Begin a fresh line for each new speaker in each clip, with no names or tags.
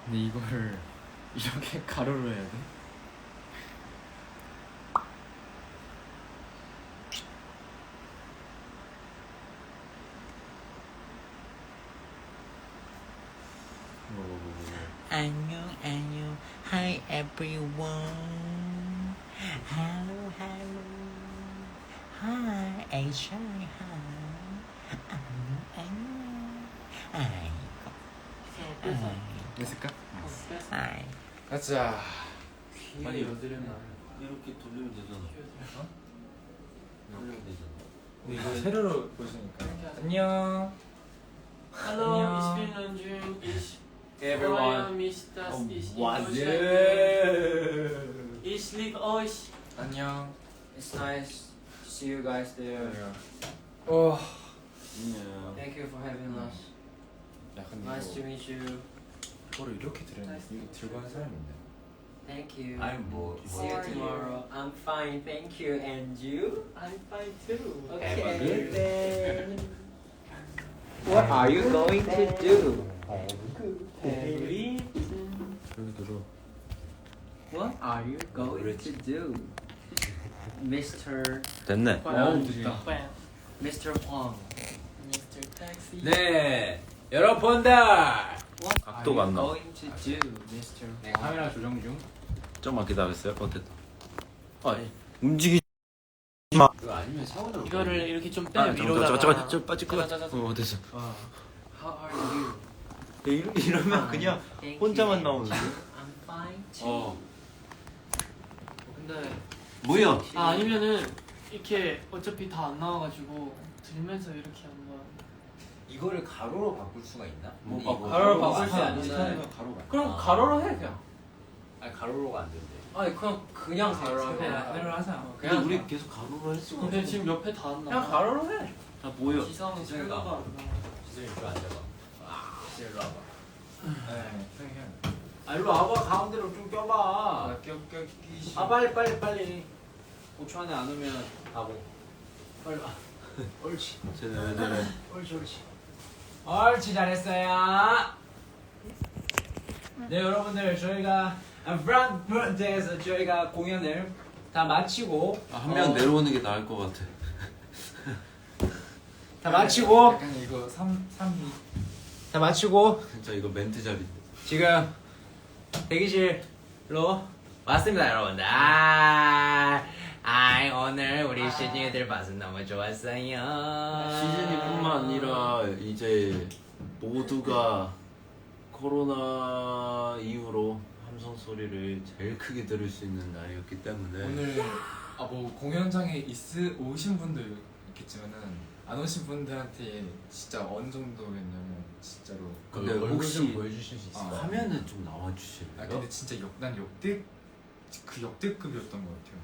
근데 이거를 이렇게 가로로 해야 돼?
안녕 안녕 Hi everyone Hello hello Hi Asia Hi 안녕 안녕 아이고
됐을까?
Hi
가자.
많이 여드름나 이렇게 돌리면 되잖아. 돌리면 되잖아.
근데 이거 세로로 보시니까. 안녕.
Hallo,
안녕.
ich bin Nanjun. Ich freue
Everyone.
mich, dass ich in
Was
Deutschland bin.
it?
Ich liebe euch.
안녕.
It's nice to see you guys there.
어.
안녕.
Thank you for having us.
야 근데
Nice to
이거
meet you.
이거를 이렇게 들었는데 이거 들고 하는 사람이 있네.
Thank you.
아니 뭐
See you tomorrow. I'm fine, thank you. And you?
I'm fine too.
Okay then. What are you going to do?
Everything.
여기 들어.
What are you going to do, Mr.
됐네.
됐다.
Mr. Huang?
Mr. Taxi.
네, 여러분들.
각도가 안 나와.
Going to do, Mr.
네,
Huang?
카메라 조정 중.
좀만 기다렸어요. 됐다. 아, 움직이지
이거 아니면 샤워를.
이거를 이렇게 좀 빼.
마.
위로다가.
좀 빠질 것 같아. 됐어.
How are you?
이러면 그냥
Thank
혼자만
you.
나오는데.
I'm fine too.
근데
뭐야?
아니면은 이렇게 어차피 다 안 나와가지고 들면서 이렇게 한번.
이거를 가로로 바꿀 수가 있나?
뭐
이거
가로로
가로로
바꿀 수
바꾸면
있는 가로가.
그럼
아.
가로로 해 그냥.
아니 가로로가 안 된대
아니 그냥 가로로 하면
가로로 하자.
근데 우리 계속 가로로 했어.
근데 지금 옆에 다 안 나와.
그냥 가로로 해.
아 뭐야?
지성은
지성이가.
철로가 안 나와.
지성이 이거 앉아봐 지성이 일로 와봐
네, 형이.
아 일로 와봐 가운데로 좀 껴봐
껴끼시.
아 빨리 5초 안에 안 오면 바보 빨리 와 옳지
쟤네 왜 저래?
옳지 잘했어요 네 여러분들 저희가 프랑크푸르트에서 저희가 공연을 다 마치고
한 명 내려오는 게 나을 것 같아.
다 마치고
약간 이거 3위.
다 마치고
진짜 이거 멘트 자리.
지금 대기실로 왔습니다 여러분들 오늘 우리 시즌이들 봐서 너무 좋았어요
시즌이뿐만 아니라 이제 모두가 코로나 이후로 함성 소리를 제일 크게 들을 수 있는 날이었기 때문에
오늘 뭐 공연장에 오신 분들 있겠지만은 안 오신 분들한테 진짜 어느 정도였냐면 진짜로.
근데
얼굴
혹시
좀 보여주실 수 있어요?
화면은 좀 나와주실래요?
아 근데 진짜 난 역대급이었던 것 같아요.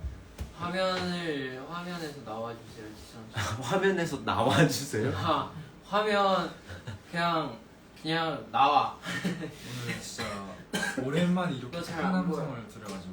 화면에서 나와주세요, 지성 씨.
화면에서 나와주세요.
화면 그냥 나와.
오늘 진짜 오랜만에 이렇게
이거 잘안
큰 함성을 들어가지고.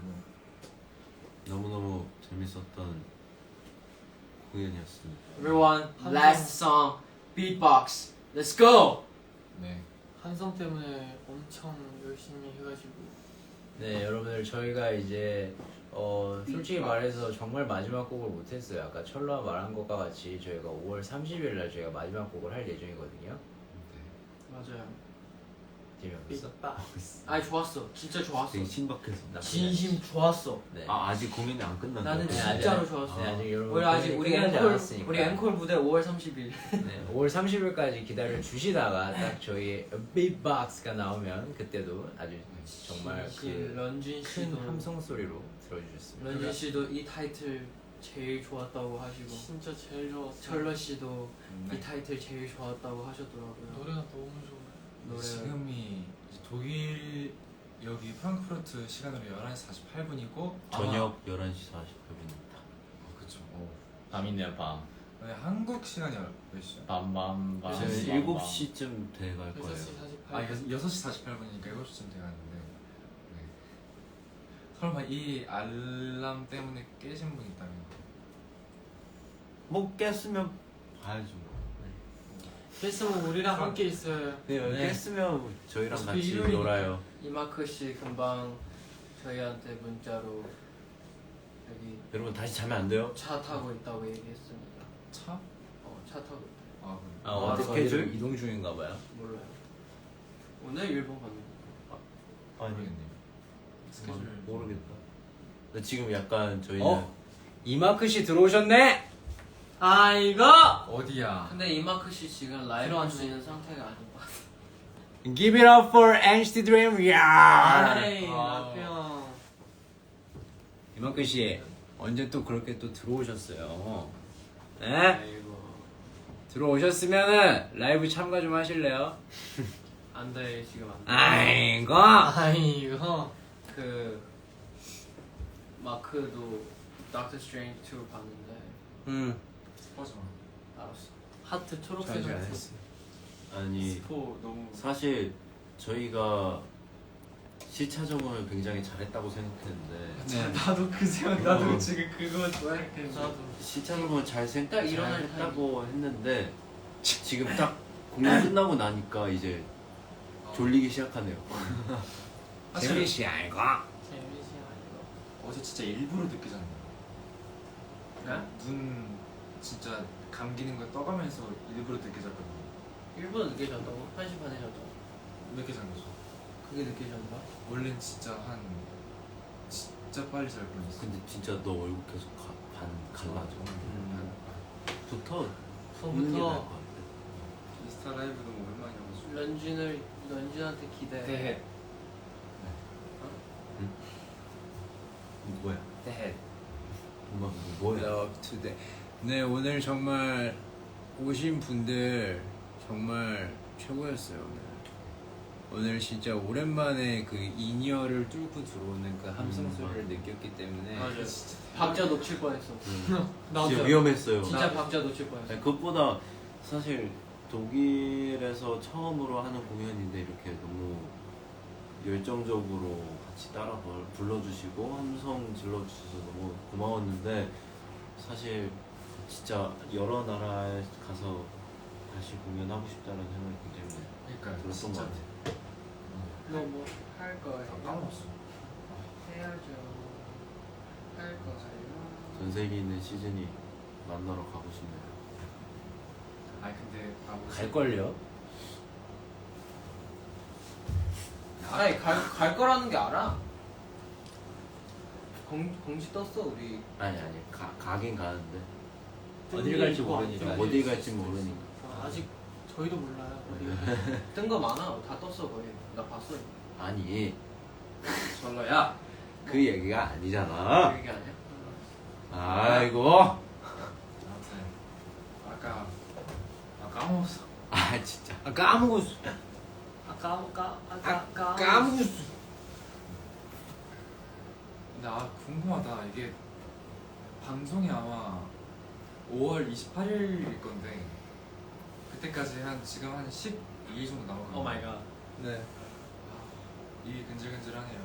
너무너무 재밌었던 공연이었습니다.
Everyone, last song, beatbox. Let's go.
네.
한성 때문에 엄청 열심히 해가지고.
네 여러분들 저희가 이제 솔직히 말해서 정말 마지막 곡을 못했어요 아까 철로가 말한 것과 같이 저희가 5월 30일 날 저희가 마지막 곡을 할 예정이거든요
맞아요.
재미없어?
아 좋았어. 진짜 좋았어.
되게 신박해서.
진심 좋았어.
네.
아직 공연이 안 끝났나?
나는
네,
진짜로
아직-
좋았어.
네, 아직 여러분
우리 아직 우리
끝나지
앵콜
않았으니까.
우리 앵콜 무대 5월 30일.
네, 5월 30일까지 기다려 주시다가 딱 저희 빅박스가 나오면 그때도 아주 정말
런쥔
큰
씨도
함성 소리로 들어주셨습니다.
런쥔 씨도 이 타이틀 제일 좋았다고 하시고 진짜 제일 좋았어. 철러 씨도 이 타이틀 제일 좋았다고 하셨더라고요. 노래가 너무 좋아요. 노래
지금이 이제 독일 여기 프랑크푸르트 시간으로 11시 48분이고
저녁 11시 48분입니다.
그쵸.
밤이네요 밤.
근데 한국 시간이 몇 시죠?
밤밤밤.
이제 7시쯤 돼갈 거예요.
6시 48분.
6시 48분이니까 7시쯤 돼가는데 네. 설마 이 알람 때문에 깨신 분 있다면
뭐 깼으면 봐야죠.
깼으면 우리랑 함께 있어요.
네, 여기
네.
했으면 저희랑
어차피
같이
일요일이니까.
놀아요.
이마크 씨 금방 저희한테 문자로 여기
여러분 다시 자면 안 돼요?
차 타고 있다고 얘기했습니다.
차?
차 타고 있다.
아 그래.
아 어디
스케줄?
어디로 이동 중인가 봐요.
몰라요. 오늘 일본 가는 거.
아니
모르겠네요. 스케줄
모르겠다. 근데 지금 약간 저희는
이마크 씨 들어오셨네.
아 이거?
어디야?
근데 이마크 씨 지금 라이브 할 수 있는 상태가 아닌 것 같아.
Give it up for NCT Dream. 야.
에이 라프 형.
이마크 씨 언제 또 그렇게 또 들어오셨어요? 네?
아이고.
들어오셨으면은 라이브 참가 좀 하실래요?
안돼 지금 안 돼.
아이고.
아이고. 그 마크도 닥터 스트레인지 2 봤는데
스포츠
알았어. 하트 초록색
전혀 안
하트.
했어.
아니
스포 너무
사실 저희가 시차 적응을 굉장히 잘했다고 생각했는데
네.
나도 그 생각 나도
어.
지금 그거 생각했는데
나도.
시차 적응을
딱 일어날
했다고 했는데 지금 딱 공연 끝나고 나니까 이제 졸리기 시작하네요.
재민 씨 아이고.
재밌지 아니고.
어제 진짜 일부러 늦게 잤네.
네?
눈 진짜 감기는 거 떠가면서 일부러 늦게 잤거든요.
일본 늦게 잤다고? 1시 반에 잤다고?
몇 개 잔 거죠?
그게 늦게 잔다?
원래는 진짜 진짜 빨리 잘 뻔했어.
근데 진짜 너 얼굴 계속 갈라져. 부터
처음부터
인스타 라이브 너무 오랜만이어가지고.
런쥔한테 기대해.
대해.
뭐야?
대해.
뭐야?
Love today. 네 오늘 정말 오신 분들 정말 최고였어요 오늘 진짜 오랜만에 그 인이어를 뚫고 들어오는 그 함성 소리를 느꼈기 때문에
맞아. 박자 놓칠 뻔했어.
진짜 위험했어요.
진짜 박자 놓칠 뻔했어.
아니, 그것보다 사실 독일에서 처음으로 하는 공연인데 이렇게 너무 열정적으로 같이 따라 불러주시고 함성 질러주셔서 너무 고마웠는데 사실 진짜 여러 나라에 가서 다시 공연하고 싶다는 생각이 굉장히
그러니까
들었던 것
진짜
같아요.
너 뭐 할 거예요?
다 까먹었어.
해야죠. 할 거예요.
전 세계에 있는 시즌이 만나러 가고 싶네요.
아니 근데
갈걸요?
아니 갈 거라는 게 알아. 공지 떴어 우리.
아니 가긴 가는데
어딜 갈지
그거 안
모르니까.
뜬
어디
거
갈지 모르니까.
아직 저희도 몰라요. 뜬 거 많아. 다 떴어 거의. 나 봤어.
아니
설러야.
그 얘기가 아니잖아.
그 얘기 아니야?
아이고.
아무튼 아까 까먹었어.
아 진짜.
까먹었어.
까먹었어.
근데 궁금하다. 이게 방송이 아마 5월 28일일 건데 그때까지 지금 한 12일 정도 남았거든요.
오 마이 갓.
네.
입이 근질근질하네요.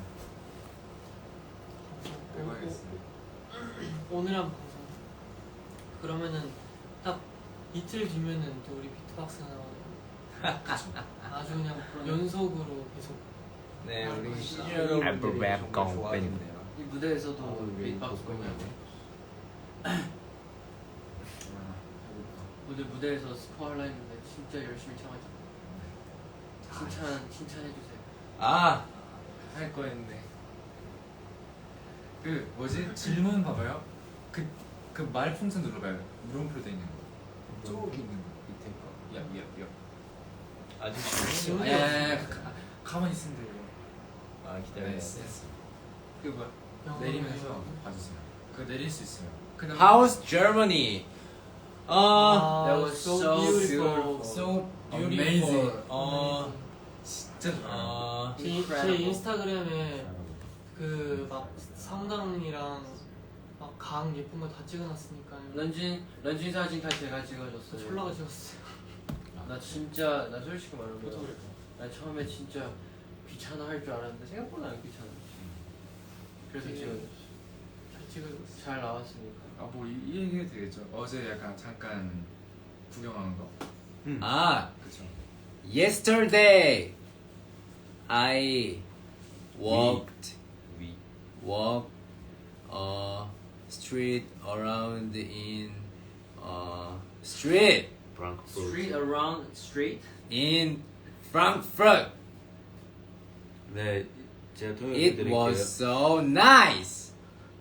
빼봐야겠어요.
오늘 한 방송. 그러면은 딱 이틀 뒤면은 또 우리 비트박스 나와요. 아주 그냥 연속으로 계속.
네 우리
아,
시즌
아,
여러분들이
랩
정말
공
좋아하겠네요.
이 무대에서도
우리
비트박스 공연. 오늘 무대에서 스포 하려 했는데 진짜 열심히 참았잖아. 칭찬해주세요.
할 거였네. 그 뭐지? 질문 봐봐요. 그 말풍선 눌러봐요. 물음표 돼 있는 거. 쭉 있는 거 밑에 거. 야.
아직
지금
가만히 있으면 돼요.
아
네,
기다렸어.
그 뭐야? 내리면서 봐주세요. 그 내릴 수 있어요. 그다음에
How's Germany?
That was so
beautiful.
so
Amazing.
beautiful.
진짜 좋아요.
제 인스타그램에 그 막 성당이랑 막 강 예쁜 거 다 찍어놨으니까. 런쥔 사진 다 제가 찍어줬어요. 철라가 찍었어요. 나 솔직히 말하면 나 처음에 진짜 귀찮아 할 줄 알았는데 생각보다 안 귀찮아. 그래서 잘 찍어줬어. 잘 나왔으니까.
뭐 이 얘기해도 되겠죠. 어제 약간 잠깐 구경한 거.
아,
그쵸.
yesterday I walked
위.
street around in street
프랑크푸르트.
Street around street.
in Frankfurt.
네, 제가
It
통역해드릴게요.
was so nice.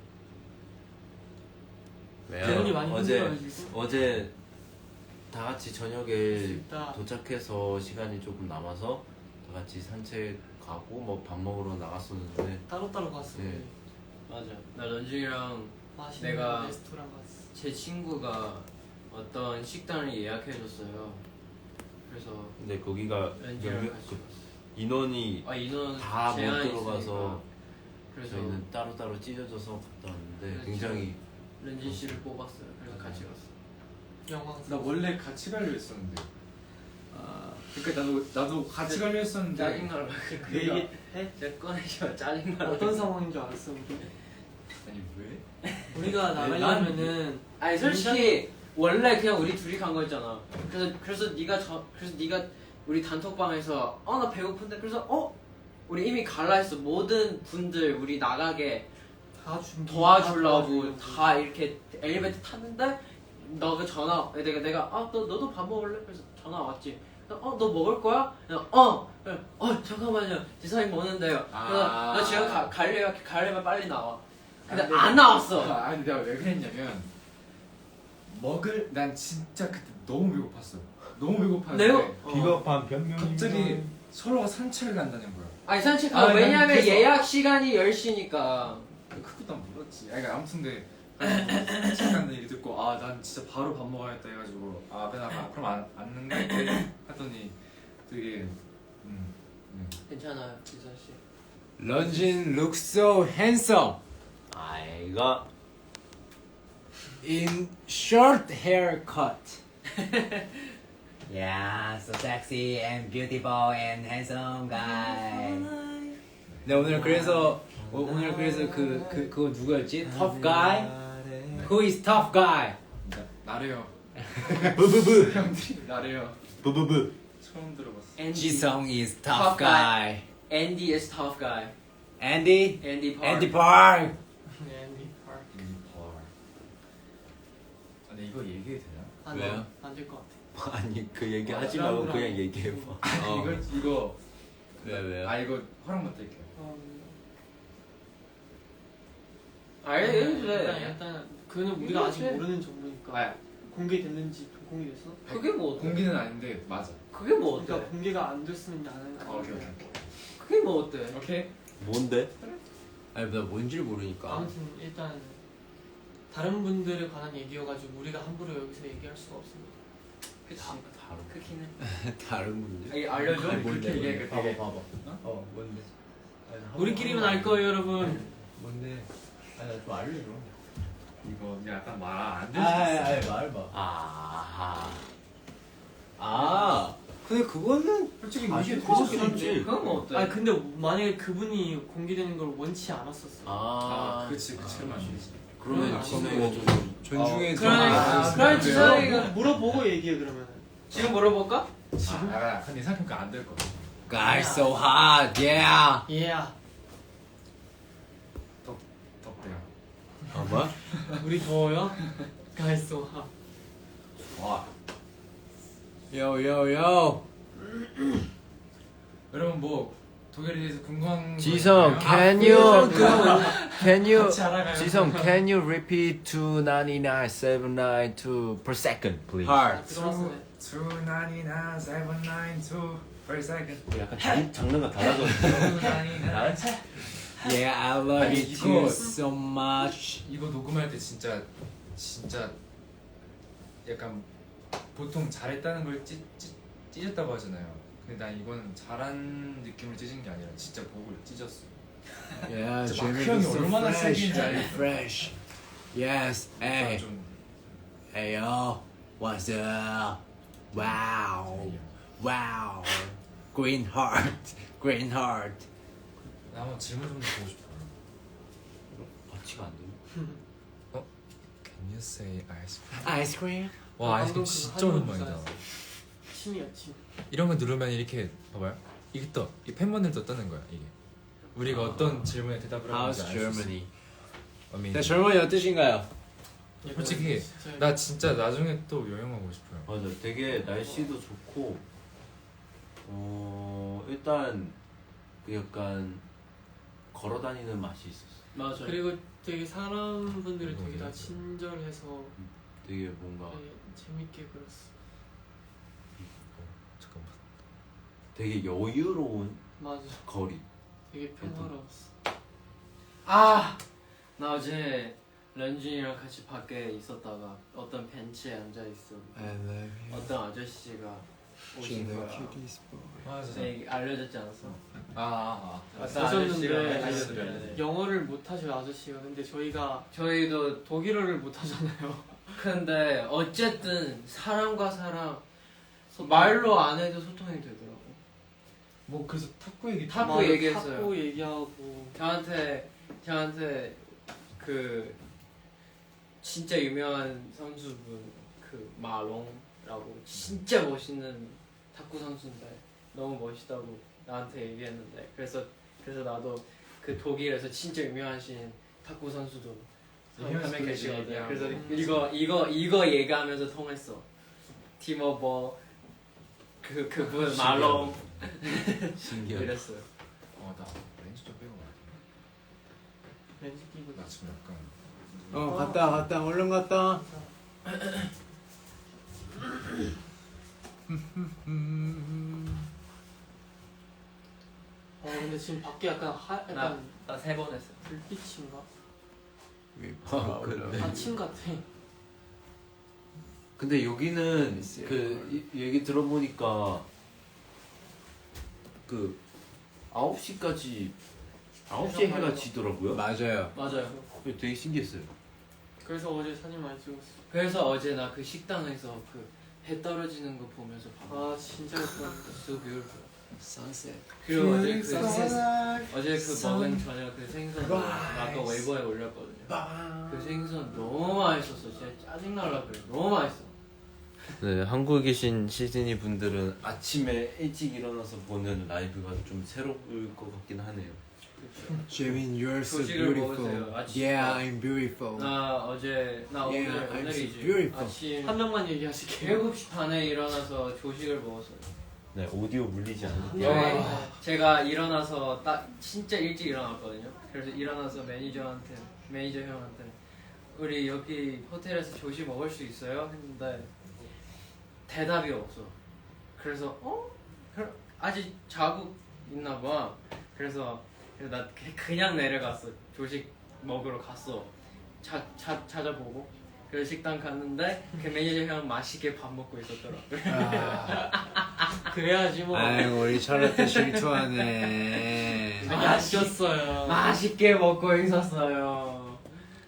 대현이
왜요?
많이
어제
힘들어가지고.
어제 다 같이 저녁에
진짜.
도착해서 시간이 조금 남아서 다 같이 산책 가고 뭐 밥 먹으러 나갔었는데
따로따로 갔어요.
네.
맞아. 나 런쥔이랑
맛있는
내가-
레스토랑 갔어.
제 친구가 어떤 식당을 예약해줬어요. 그래서
근데 거기가
런쥔이랑
몇-
같이
그
갔어.
인원이
아 인원
다 못
제한이
들어가서
있으니까. 그래서
저희는 따로따로 찢어져서 갔다 왔는데
그렇죠.
굉장히
런쥔 씨를 뽑았어요. 그래서 같이 갔어.
영광.
나 원래 같이 가려 했었는데. 그러니까 나도 같이 가려 했었는데.
짜증나라. 그 얘기 해? 제가 꺼내지 짜증나라.
어떤 상황인 줄 알았어 우리?
아니 왜?
우리가 나가려면은
아니 솔직히 원래 그냥 우리 둘이 간 거였잖아. 그래서 네가 우리 단톡방에서 나 배고픈데 그래서 우리 이미 갈라 했어. 모든 분들 우리 나가게
다 준비.
도와주려고 다 이렇게 엘리베이터 탔는데 너가 전화 내가 너도 밥 먹을래? 그래서 전화 왔지. 너 먹을 거야? 그래, 잠깐만요. 지성이 먹는데요. 그래서 너 지금 가려면 빨리 나와. 근데
아니,
안 나왔어.
아니 내가 왜 그랬냐면 난 진짜 그때 너무 배고팠어. 너무 배고팠는데
내가
비겁한 변명.
갑자기 서로가 산책을 간다는 거야.
아니 산책
아,
왜냐면
그래서-
예약 시간이 10시니까.
그것도 난 몰랐지. 그러니까 아무튼 근데 산책 간다는 얘기 듣고 난 진짜 바로 밥 먹어야겠다 해가지고 그럼 안 는갈게 하더니 되게
괜찮아요, 지선 씨.
런쥔 looks so handsome
아이가
in short haircut. Yeah, so sexy and beautiful and handsome guy. 네 오늘 그래서 그거 누구였지? Tough guy? Who is tough guy?
나래요.
부부부.
형들이 나래요.
부부부.
처음 들어봤어.
앤디.
지성 is tough
Tough
guy.
Andy is tough guy.
Andy?
Andy Park.
Andy Park.
네, 앤디 파크.
근데 이거 얘기해도 되나?
왜요?
안될 것 같아.
아니 그 얘기 하지 말고 그냥 얘기해봐.
이거
왜요?
이거 허락 못 드릴게요.
일단 그는 우리가 아직
이거지.
모르는 정보니까.
아,
공개됐는지 공개됐어?
그게 뭐 어때?
공기는 아닌데 맞아.
그게 뭐 어때?
그러니까 공개가 안 됐으면 나는.
오케이.
그게 뭐 어때?
오케이.
뭔데?
아니 나 뭔지를 모르니까.
아무튼 일단 다른 분들에 관한 얘기여가지고 우리가 함부로 여기서 얘기할 수가 없습니다.
그치.
바로.
크기는.
다른 분들.
아니 알려줘.
아니, 그렇게 얘기해. 되게
봐봐. 뭔데?
우리끼리만 알 거예요, 여러분.
뭔데? 아니 나좀 알려줘.
이거 약간 말 안 될 수도 있어.
말해봐. 근데 그거는
솔직히
이게
이게
되게
되게
괜찮지.
그건 뭐 어때?
근데 만약에 그분이 공개되는 걸 원치 않았었어.
그치 그러면 안 되지.
그러면
아,
지성이가 좀
존중해 줘.
그러니까
그럼 지성이가
물어보고 얘기해 그러면.
지금 물어볼까?
근데 생각해보니까 안 될 거 같아.
Guys so hot, yeah.
Yeah.
덕대야.
뭐?
우리 더워요? Guys so hot.
와.
Yo.
여러분 뭐 독일에 대해서 궁금한 거
지성,
있나요?
can you
같이 알아가요.
지성, can you repeat 299,792 per second, please?
Heart.
들어왔어.
299,792 per second.
약간 장르가 달라져.
299.
Yeah, I love
아니,
you too
이거-
so much.
이거 녹음할 때 진짜 약간 보통 잘했다는 걸 찢었다고 하잖아요. 근데 난 이거는 잘한 느낌을 찢은 게 아니라 진짜 목을 찢었어.
Yeah,
진짜
Jimmy
마크 형이
is so
얼마나
fresh
세긴지
and
알겠어.
fresh. Yes, hey,
좀
hey yo, what's up? Wow, green heart.
나 한번 질문 좀 보고 싶어.
같이가 안 돼.
Can you say ice cream?
Ice cream?
와
방금
아이스크림
그거
진짜
하는 거
오랜만이다.
좋아했어. 침이야 침.
이런 거 누르면 이렇게 봐봐요. 이게 떠. 이 팬분들도 뜨는 거야 이게. 우리가 어떤 질문에 대답을 하는지
How's
알 수 있어.
Germany?
Amazing.
네, 젊은이 어떠신가요?
솔직히 나 진짜 나중에 또 여행 가고 싶어요.
맞아. 되게 날씨도 좋고 일단 그 약간 걸어 다니는 맛이 있었어.
맞아.
그리고 되게 사람분들이 되게 다 친절해서
되게 뭔가
되게 재밌게 그렸어.
잠깐만.
되게 여유로운
맞아.
거리.
되게 평화로웠어.
나 어제 런쥔이랑 같이 밖에 있었다가 어떤 벤치에 앉아 있어.
I love you.
어떤 아저씨가 오신 거야.
맞아.
네, 알려줬지 않았어? 어떤
오셨는데
아저씨가 알려줬는데
영어를 못하셔 아저씨가. 근데
저희도
독일어를 못하잖아요.
근데 어쨌든 사람과 사람 말로 안 해도 소통이 되더라고.
뭐 그래서 탁구 얘기.
탁구 얘기했어요.
탁구 얘기하고.
저한테 그 진짜 유명한 선수분 그 마롱라고 진짜 멋있는 탁구 선수인데 너무 멋있다고 나한테 얘기했는데 그래서 나도 그 독일에서 진짜 유명하신 탁구 선수도 한 명 계시거든. 그래서 이거 얘기하면서 통했어. 티모버 그분 마롱
신기하다.
이랬어요.
나 렌즈 좀 빼고 가야
렌즈 끼고.
돼. 나 지금 약간.
갔다 얼른 갔다.
근데 지금 밖에 약간 약간
나 3번 했어.
불빛인가?
근데
아침 같아.
근데 여기는 그 얘기 들어보니까 그 9시까지 9시에 해가 지더라고요.
맞아요.
되게 신기했어요.
그래서 어제 사진 많이 찍었어.
그래서 어제 나 그 식당에서 그 해 떨어지는 거 보면서
아 진짜 예뻤는데.
So beautiful.
Sunset.
그리고 어제 그 먹은 저녁 그 생선 아까 웨이버에 올렸거든요. 그 생선 너무 맛있었어. 진짜 짜증날라 그래. 너무 맛있어.
네, 한국에 계신 시즈니 분들은 아침에 일찍 일어나서 보는 라이브가 좀 새로울 것 같긴 하네요.
Jimin, you're so
조식을
beautiful.
먹으세요. 아침.
Yeah, I'm beautiful.
나 오늘
I'm so
오늘이지.
beautiful.
아침
한 명만 얘기하실게요.
7시 반에 일어나서 조식을 먹었어요.
네, 오디오 물리지 않을게요.
네. 제가 일어나서 딱 진짜 일찍 일어났거든요. 그래서 일어나서 매니저 형한테 우리 여기 호텔에서 조식 먹을 수 있어요? 했는데 대답이 없어. 그래서 그럼 아직 자고 있나 봐. 그래서 나 그냥 내려갔어. 조식 먹으러 갔어. 찾아보고 그래서 식당 갔는데 그 매니저 형 맛있게 밥 먹고 있었더라고요.
그래야지 뭐.
아이고 우리 찰로tte 질투하네.
맛있었어요.
맛있게 먹고 있었어요.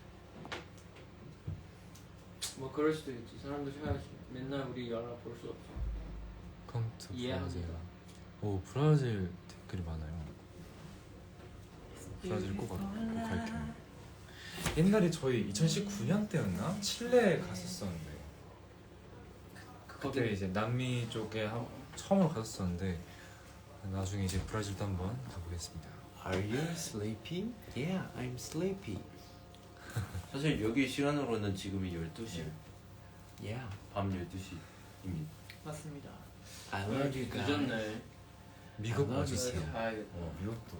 뭐 그럴 수도 있지. 사람도 쉬어야지. 맨날 우리 연락 볼 수 없어.
컴투
이해합니다.
오 브라질 댓글이 많아요. 브라질 꼭 갈게요. 옛날에 저희 2019년 때였나 칠레 갔었었는데 그때 이제 남미 쪽에 처음으로 갔었었는데 나중에 이제 브라질도 한번 가보겠습니다.
Are you sleepy? Yeah, I'm sleepy.
사실 여기 시간으로는 지금이 12시,
Yeah,
밤 12시입니다.
맞습니다.
I love you guys.
늦었네.
미국
아,
와주세요.
가야겠다.
미국도.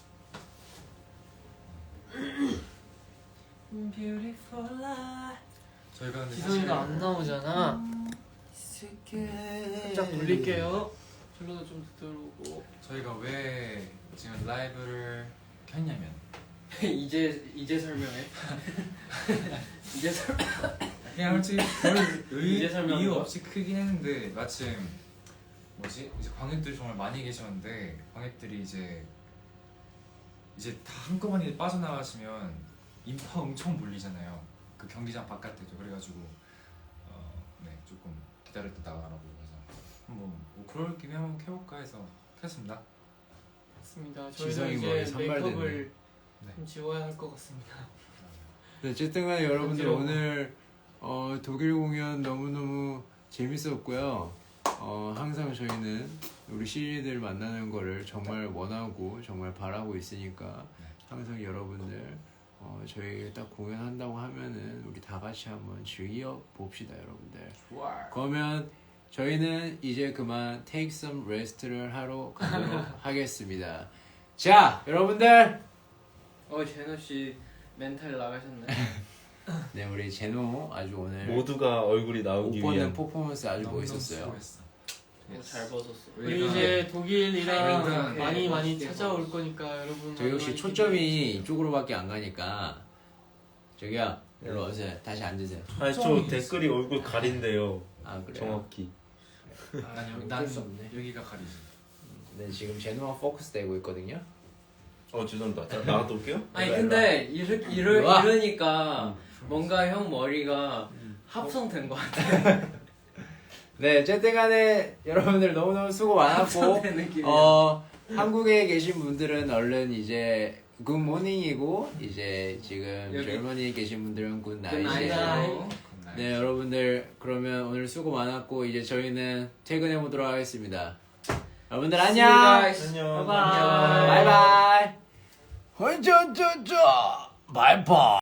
저희가 근데
지성이가 안 나오잖아. 살짝 돌릴게요. 첼로도 좀 들어오고.
저희가 왜 지금 라이브를 켰냐면
이제 설명해. 이제 설명.
그냥 솔직히 별
이제 설명한
이유
거야?
없이 크긴 했는데 마침 이제 관객들이 정말 많이 계셨는데 관객들이 이제 다 한꺼번에 빠져나가시면 인파 엄청 몰리잖아요. 그 경기장 바깥에도. 그래가지고 네 조금 기다릴 때 나가라고 그래서 한번 뭐 그럴 김에 한번 켜볼까 해서 켰습니다.
맞습니다.
지성이
저희도
머리
이제
산발됐네.
메이크업을
네.
좀 지워야 할 것 같습니다.
네, 어쨌든 간에 여러분들
그렇죠.
오늘 독일 공연 너무너무 재밌었고요. 항상 저희는 우리 시즈니들 만나는 거를 정말 원하고 정말 바라고 있으니까 항상 여러분들 저희 딱 공연한다고 하면은 우리 다 같이 한번 즐겨 봅시다, 여러분들.
좋아.
그러면 저희는 이제 그만 take some rest를 하러 가도록 하겠습니다. 자, 여러분들.
제노 씨 멘탈 나가셨네.
네, 우리 제노 아주 오늘
모두가 얼굴이
옷
나오기
벗는
위한
포퍼먼스 아주
너무너무
멋있었어요.
수고했어.
잘 벗었어.
우리 이제 독일이랑
일단
많이
멋있게
찾아올
벗었어.
거니까 여러분.
저희 혹시
많이
초점이 이쪽으로밖에 안 가니까 저기요, 일로 오세요. 다시 앉으세요.
아니 저 댓글이 얼굴 가린대요.
아, 그래요?
정확히.
난
어쩔 수 없네.
여기가 가리지.
네, 지금 제노가 포커스 되고 있거든요.
죄송합니다. 나가도 올게요.
아니
일로 와,
근데
일로 와.
이러니까 뭔가 형 머리가 합성된 것 같아.
네, 어쨌든 간에 여러분들 너무너무 수고 많았고
합성된 느낌이야.
한국에 계신 분들은 얼른 이제 굿모닝이고 이제 지금
여기.
젊은이에 계신 분들은
굿나잇이고.
굿나잇이고 네, 여러분들 그러면 오늘 수고 많았고 이제 저희는 퇴근해 보도록 하겠습니다. 여러분들 안녕.
안녕.
바이바이. 바이바이.